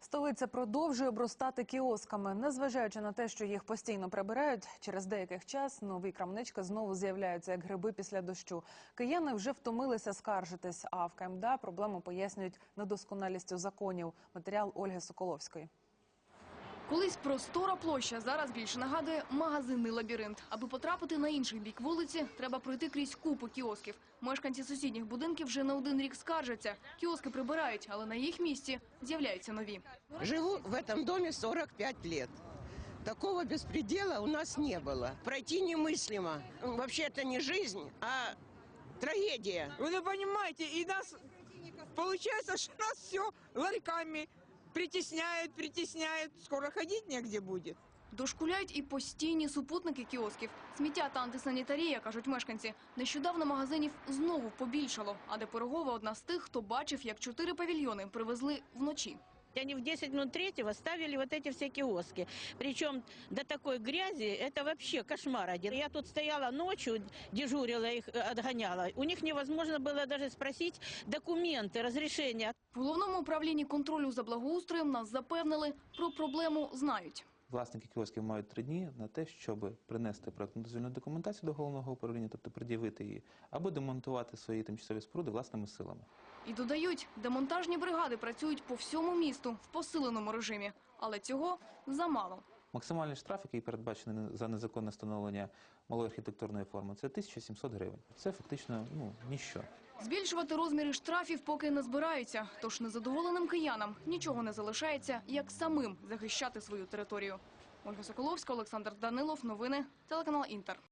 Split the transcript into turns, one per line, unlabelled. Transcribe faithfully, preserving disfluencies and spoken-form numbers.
Столиця продовжує обростати кіосками. Незважаючи на те, що їх постійно прибирають, через деякий час нові крамнички знову з'являються як гриби після дощу. Кияни вже втомилися скаржитись, а в КМДА проблему пояснюють недосконалістю законів. Матеріал Ольги Соколовської.
Колись простора площа зараз більше нагадує магазинний лабіринт. Аби потрапити на інший бік вулиці, треба пройти крізь купу кіосків. Мешканці сусідніх будинків вже не один рік скаржаться. Кіоски прибирають, але на їх місці з'являються нові.
Живу в этом доме сорок пять лет. Такого беспредела у нас не было. Пройти немыслимо. Вообще это не жизнь, а трагедия.
Вы не понимаете, и нас, получается, что нас все ларьками притесняют, притесняют. Скоро ходить негде будет.
Дошкуляють і постійні супутники кіосків. Сміття та антисанітарія, кажуть мешканці. Нещодавно магазинів знову побільшало. А де Пирогова одна з тих, хто бачив, як чотири павільйони привезли вночі.
Они в десять минут третьего ставили вот эти все киоски. Причем до такой грязи, это вообще кошмар один. Я тут стояла ночью, дежурила их, отгоняла. У них невозможно было даже спросить документы, разрешения.
В Головному управлінні контролю за благоустроєм нас запевнили, про проблему знають.
Власники кіосків мають три дні на те, щоб принести проєктно-дозвільну документацію до головного управління, тобто пред'явити її, або демонтувати свої тимчасові споруди власними силами.
І додають, демонтажні бригади працюють по всьому місту в посиленому режимі. Але цього замало.
Максимальний штраф, який передбачений за незаконне встановлення малої архітектурної форми, це тисяча сімсот гривень. Це фактично ну, ніщо.
Збільшувати розміри штрафів поки не збираються. Тож незадоволеним киянам нічого не залишається, як самим захищати свою територію. Ольга Соколовська, Олександр Данилов. Новини. Телеканал Інтер.